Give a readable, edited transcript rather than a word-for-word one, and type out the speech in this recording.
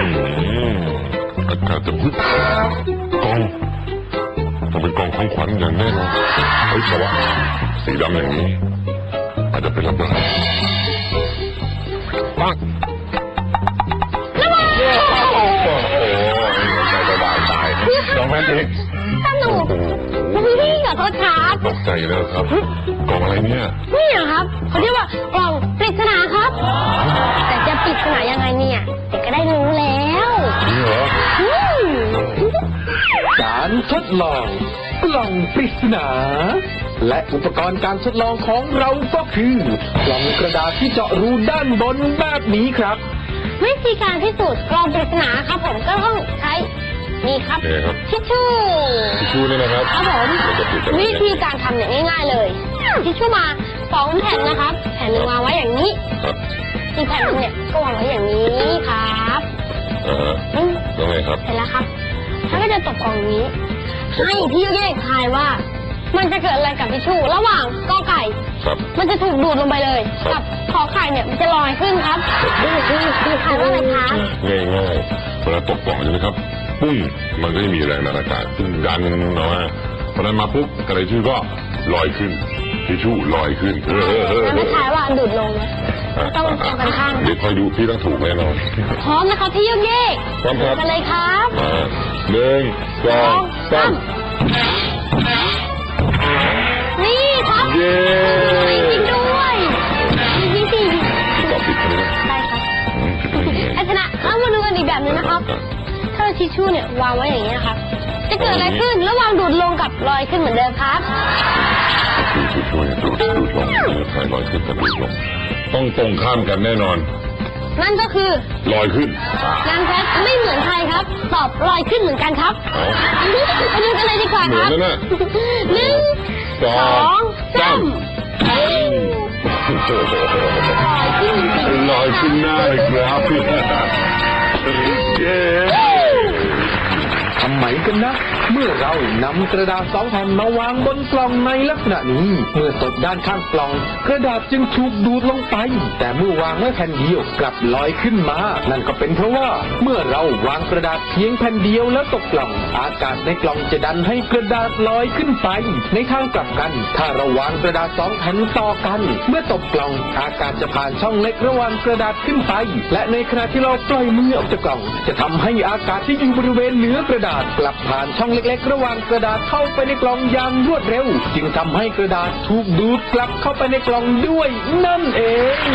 อากาศจะพึ่งกองต้องเป็นกองของขวัญอย่างแน่นอนเฮ้ยแต่ว่าสีดำอย่างนี้อาจจะเป็นระเบิดปังโอ้โหใจสบายตายน้องแม่เด็กสนุกพี่ขอโทษครับตกใจแล้วครับกล่องอะไรเนี่ยนี่ครับเขาเรียกว่ากล่องปริศนาครับแต่จะปริศนายังไงเนี่ยเด็กก็ได้รู้แล้วนี่เหรอการทดลองกล่องปริศนาและอุปกรณ์การทดลองของเราก็คือกล่องกระดาษที่เจาะรูด้านบนแบบนี้ครับวิธีการพิสูจน์กล่องปริศนาครับผมก็ต้องใช้นี่ครับทิชชู่นี่นะครับครับผมวิธีการทำเนี่ยง่ายๆเลยทิชชู่มา2 แผ่นนะครับแผ่นหนึ่งวางไว้อย่างนี้อีกแผ่นนึงเนี่ยก็วางไว้อย่างนี้ครับแล้วไงครับเสร็จแล้วครับแล้วก็จะตกกล่องนี้ให้พี่แยกทายว่ามันจะเกิดอะไรกับทิชชู่ระหว่างกอไก่มันจะถูกดูดลงไปเลยกับขอไข่เนี่ยมันจะลอยขึ้นครับทายว่าอะไรคะง่ายๆเวลาตกกล่องใช่ไหมครับปุ้งมันก็จะมีแรงดันอากาศซึ่งดันออกมาพอนั้นมาปุ๊บกระดาษทิชชู่ก็ลอยขึ้นทิชชู่ลอยขึ้นแล้วไม่ทายว่าดูดลงนะต้องตรงกันข้างเดี๋ยวคอยดูพี่ต้องถูกแน่นอนพร้อมนะครับพี่ยุ่งเย่พร้อมครับกันเลยครับ 1 2 3 นี่ครับเย้จริงด้วยนี่สิตอบผิดใช่ไหมได้ครับไอ้ชนะเอามาดูกันอีกแบบนึงนะครับถ้าทิชชู่เนี่ยวางไว้อย่างนี้นะครับจะเกิดอะไรขึ้นระหว่างดูดลงกับลอยขึ้นเหมือนเดิมครับทิชชู่เนี่ยดูดลงใครลอยขึ้นกับดูดลงต้องตรงข้ามกันแน่นอนนั่นก็คือลอยขึ้นนางแพทไม่เหมือนใครครับตอบลอยขึ้นเหมือนกันครับไปดูกันเลยดีกว่าครับ 1 2 3ลอยขึ้นหน้าเลยครับทำไมกันนะเมื่อเรานำกระดาษ2 แผ่นมาวางบนกล่องในลักษณะนี้เมื่อตกด้านข้างกล่องกระดาษจึงถูกดูดลงไปแต่เมื่อวางไว้แผ่นเดียวกลับลอยขึ้นมานั่นก็เป็นเพราะว่าเมื่อเราวางกระดาษเพียงแผ่นเดียวแล้วตกกล่องอากาศในกล่องจะดันให้กระดาษลอยขึ้นไปในทางกลับกันถ้าเราวางกระดาษ2 แผ่นต่อกันเมื่อตกกล่องอากาศจะผ่านช่องเล็กระหว่างกระดาษขึ้นไปและในขณะที่เราปล่อยมือออกจากกล่องจะทำให้อากาศที่อยู่บริเวณเหนือกระดาษกลับผ่านช่องเล็กๆระหว่างกระดาษเข้าไปในกล่องอย่างรวดเร็วจึงทำให้กระดาษถูกดูดกลับเข้าไปในกล่องด้วยนั่นเอง